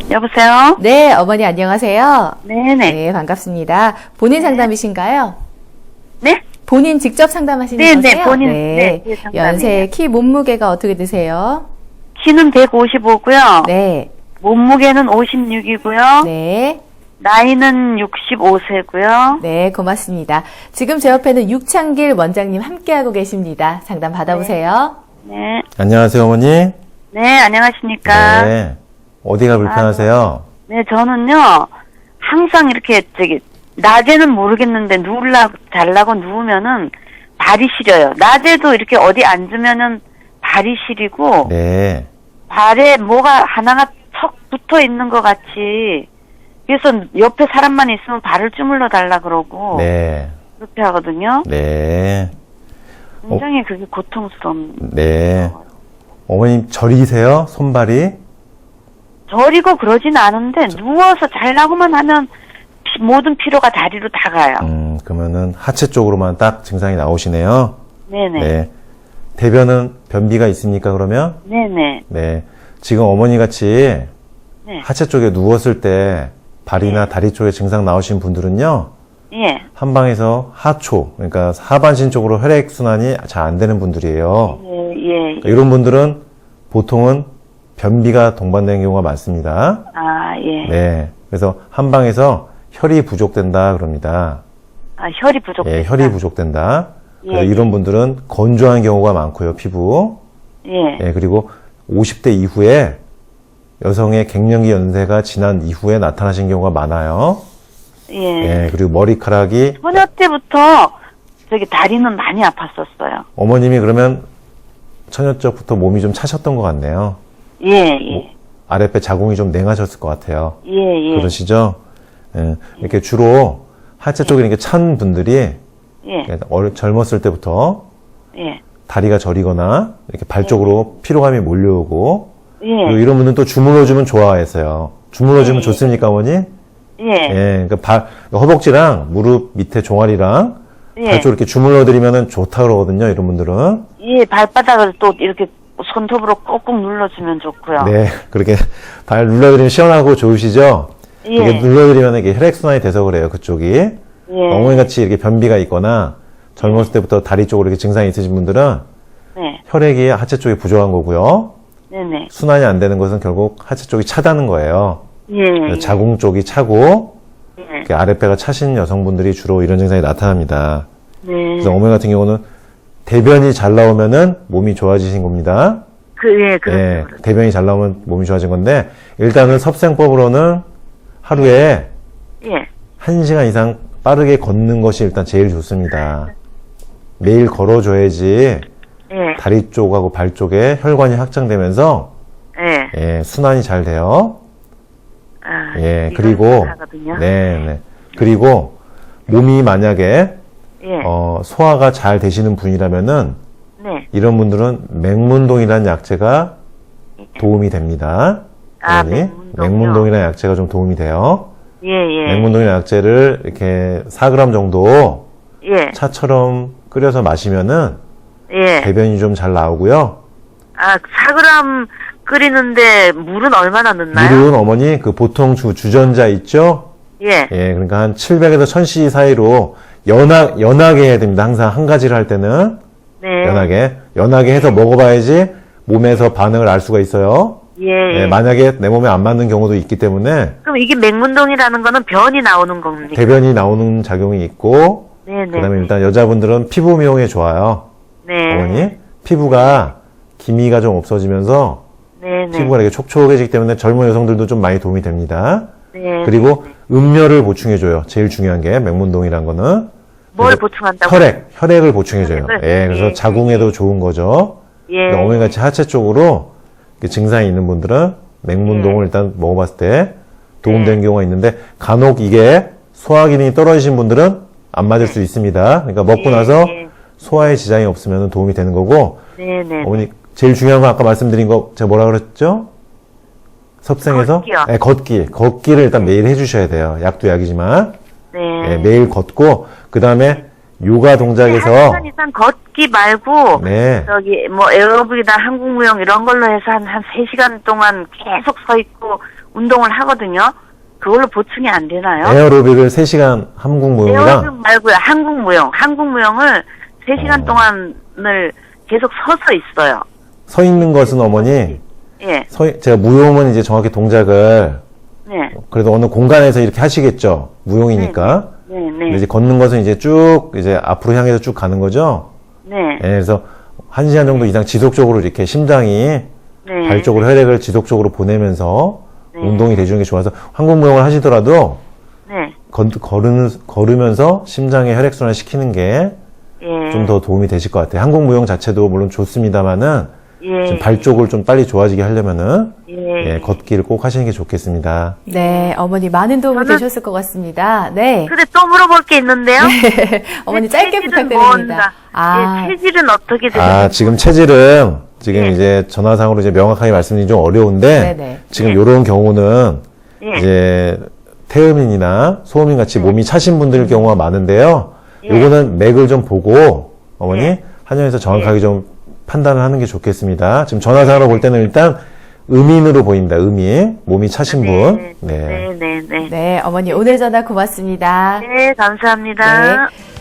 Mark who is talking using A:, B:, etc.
A: 여보세요?
B: 네, 어머니 안녕하세요.
A: 네네.
B: 네, 반갑습니다. 본인 상담이신가요?
A: 네?
B: 본인 직접 상담하시는
A: 네,
B: 거세요?
A: 네, 본인, 네, 제 상담이에요.
B: 연세, 키, 몸무게가 어떻게 되세요?
A: 키는 155고요.
B: 네,
A: 몸무게는 56이고요.
B: 네,
A: 나이는 65세고요.
B: 네, 고맙습니다. 지금 제 옆에는 육창길 원장님 함께하고 계십니다. 상담 받아보세요.
A: 네.
C: 안녕하세요, 어머니.
A: 네, 안녕하십니까?
C: 네. 어디가 불편하세요?
A: 네, 저는요, 항상 이렇게, 낮에는 모르겠는데, 자려고 누우면은 발이 시려요. 낮에도 이렇게 어디 앉으면은 발이 시리고,
C: 네.
A: 발에 뭐가 하나가 척 붙어 있는 것 같이, 그래서 옆에 사람만 있으면 발을 주물러 달라 그러고,
C: 네.
A: 그렇게 하거든요.
C: 네.
A: 굉장히 그게 고통스러운.
C: 네. 어머님 저리세요? 손발이?
A: 저리고 그러진 않은데, 누워서 자려고만 하면, 모든 피로가 다리로 다 가요.
C: 그러면은 하체 쪽으로만 딱 증상이 나오시네요.
A: 네네.
C: 네. 대변은 변비가 있습니까, 그러면?
A: 네네.
C: 네. 지금 어머니 같이
A: 네.
C: 하체 쪽에 누웠을 때 발이나 다리 쪽에 증상 나오신 분들은요,
A: 예.
C: 한방에서 하초, 그러니까 하반신 쪽으로 혈액순환이 잘 안 되는 분들이에요.
A: 예, 예.
C: 그러니까 이런 분들은 보통은 변비가 동반되는 경우가 많습니다.
A: 아, 예.
C: 네. 그래서 한방에서 혈이 부족된다 그럽니다.
A: 아, 혈이 부족해.
C: 예, 혈이 부족된다. 그래서
A: 예,
C: 이런 분들은 건조한 경우가 많고요, 피부.
A: 예.
C: 예, 그리고 50대 이후에 여성의 갱년기 연세가 지난 이후에 나타나신 경우가 많아요.
A: 예.
C: 예, 그리고 머리카락이
A: 소녀 때부터 다리는 많이 아팠었어요.
C: 어머님이 그러면 처녀적부터 몸이 좀 차셨던 것 같네요.
A: 예, 예.
C: 아랫배 자궁이 좀 냉하셨을 것 같아요.
A: 예, 예.
C: 그러시죠? 예, 이렇게 주로 하체 쪽에 이렇게 찬 분들이
A: 예.
C: 젊었을 때부터
A: 예.
C: 다리가 저리거나 이렇게 발 쪽으로 피로감이 몰려오고 그리고
A: 예.
C: 이런 분들은 또 주물러주면 좋아했어요. 주물러주면
A: 예.
C: 좋습니까, 어머니?
A: 예.
C: 예, 그러니까 허벅지랑 무릎 밑에 종아리랑
A: 예.
C: 발 쪽 이렇게 주물러드리면 좋다 그러거든요, 이런 분들은.
A: 예, 발바닥을 또 이렇게 손톱으로 꼭꼭 눌러주면 좋고요.
C: 네, 그렇게 발 눌러드리면 시원하고 좋으시죠?
A: 예.
C: 이렇게 눌러드리면 이게 혈액순환이 돼서 그래요, 그쪽이.
A: 예.
C: 어머니 같이 이렇게 변비가 있거나 젊었을 때부터 다리 쪽으로 이렇게 증상이 있으신 분들은
A: 네.
C: 혈액이 하체 쪽에 부족한 거고요.
A: 네네.
C: 순환이 안 되는 것은 결국 하체 쪽이 차다는 거예요.
A: 예.
C: 자궁 쪽이 차고
A: 예.
C: 이렇게 아랫배가 차신 여성분들이 주로 이런 증상이 나타납니다.
A: 네.
C: 그래서 어머니 같은 경우는 대변이 잘 나오면은 몸이 좋아지신 겁니다.
A: 예,
C: 예,
A: 그렇죠.
C: 대변이 잘 나오면 몸이 좋아진 건데 일단은 섭생법으로는 하루에
A: 예.
C: 1시간 이상 빠르게 걷는 것이 일단 제일 좋습니다. 매일 걸어줘야지
A: 예.
C: 다리 쪽하고 발 쪽에 혈관이 확장되면서
A: 예.
C: 예, 순환이 잘 돼요.
A: 아,
C: 예,
A: 이거
C: 그리고
A: 하거든요.
C: 네. 그리고 몸이 만약에
A: 예.
C: 소화가 잘 되시는 분이라면은
A: 네.
C: 이런 분들은 맹문동이라는 약재가 도움이 됩니다.
A: 아,
C: 어머니.
A: 맹문동이요?
C: 맹문동이라는 약재가 좀 도움이 돼요.
A: 예, 예.
C: 맹문동이라는 약재를 이렇게 4g 정도
A: 예.
C: 차처럼 끓여서 마시면은
A: 예.
C: 대변이 좀 잘 나오고요.
A: 아, 4g 끓이는데 물은 얼마나 넣나요?
C: 물은 어머니 그 보통 주전자 있죠?
A: 예.
C: 예, 그러니까 한 700에서 1000cc 사이로 연하게 해야 됩니다. 항상 한 가지를 할 때는
A: 네.
C: 연하게 해서 먹어봐야지 몸에서 반응을 알 수가 있어요.
A: 예.
C: 예, 만약에 내 몸에 안 맞는 경우도 있기 때문에
A: 그럼 이게 맹문동이라는 거는 변이 나오는 겁니까?
C: 대변이 나오는 작용이 있고
A: 네네.
C: 그다음에 일단 여자분들은 피부 미용에 좋아요.
A: 네.
C: 어머니 피부가 기미가 좀 없어지면서
A: 네네.
C: 피부가 이렇게 촉촉해지기 때문에 젊은 여성들도 좀 많이 도움이 됩니다.
A: 네.
C: 그리고 음료를 보충해줘요. 제일 중요한 게 맹문동이란 거는
A: 뭘
C: 그래서
A: 보충한다고?
C: 혈액을 보충해줘요.
A: 혈액을?
C: 예, 그래서
A: 예,
C: 자궁에도 좋은 거죠.
A: 예.
C: 어머니 같이 하체 쪽으로 증상이 있는 분들은 맹문동을 일단 먹어봤을 때 도움되는 경우가 있는데 간혹 이게 소화 기능이 떨어지신 분들은 안 맞을 수 있습니다. 그러니까 먹고 나서 소화에 지장이 없으면 도움이 되는 거고
A: 네네.
C: 어머니 제일 중요한 건 아까 말씀드린 거 제가 뭐라 그랬죠? 섭생에서
A: 걷기요.
C: 네, 걷기를 일단 매일 해주셔야 돼요. 약도 약이지만
A: 네.
C: 예, 매일 걷고 그 다음에 요가 동작에서
A: 1시간 이상 걷기 말고
C: 네.
A: 저기 뭐 에어로빅이나 한국무용 이런 걸로 해서 한 3시간 동안 계속 서 있고 운동을 하거든요. 그걸로 보충이 안 되나요?
C: 에어로빅을 3시간 한국 무용이랑
A: 에어로빅 말고요. 한국 무용. 한국 무용을 3시간 동안을 계속 서서 있어요.
C: 서 있는 것은 어머니,
A: 예.
C: 제가 무용은 이제 정확히 동작을
A: 네.
C: 그래도 어느 공간에서 이렇게 하시겠죠. 무용이니까.
A: 네,
C: 근데
A: 네.
C: 이제 걷는 것은 이제 쭉 이제 앞으로 향해서 쭉 가는 거죠.
A: 네.
C: 예, 그래서 1시간 정도 이상 지속적으로 이렇게 심장이
A: 네.
C: 발 쪽으로 혈액을 지속적으로 보내면서
A: 네.
C: 운동이 돼주는 게 좋아서 한국 무용을 하시더라도
A: 네.
C: 걸으면서 심장에 혈액순환 시키는 게 좀
A: 예.
C: 더 도움이 되실 것 같아요. 한국 무용 자체도 물론 좋습니다만은
A: 예.
C: 지금 발 쪽을 좀 빨리 좋아지게 하려면은
A: 예.
C: 예, 걷기를 꼭 하시는 게 좋겠습니다.
B: 네, 어머니 많은 도움이 되셨을 것 같습니다. 네.
A: 근데 또 물어볼 게 있는데요.
B: 어머니
A: 네,
B: 짧게
A: 체질은
B: 부탁드립니다.
A: 뭔가? 예, 체질은 어떻게 되세요?
C: 지금 체질은 지금
A: 네.
C: 이제 전화상으로 이제 명확하게 말씀드리기 좀 어려운데
B: 네네.
C: 지금
A: 네.
C: 이런 경우는
A: 예.
C: 이제 태음인이나 소음인 같이
A: 네.
C: 몸이 차신 분들 경우가 많은데요.
A: 예.
C: 요거는 맥을 좀 보고 어머니
A: 예.
C: 한의원에서 정확하게 좀 판단을 하는 게 좋겠습니다. 지금 전화상으로 볼 때는 일단 음인으로 보인다. 음인 몸이 차신 분.
A: 네. 네, 네, 네.
B: 네, 어머니 오늘 전화 고맙습니다.
A: 네, 감사합니다.
B: 네.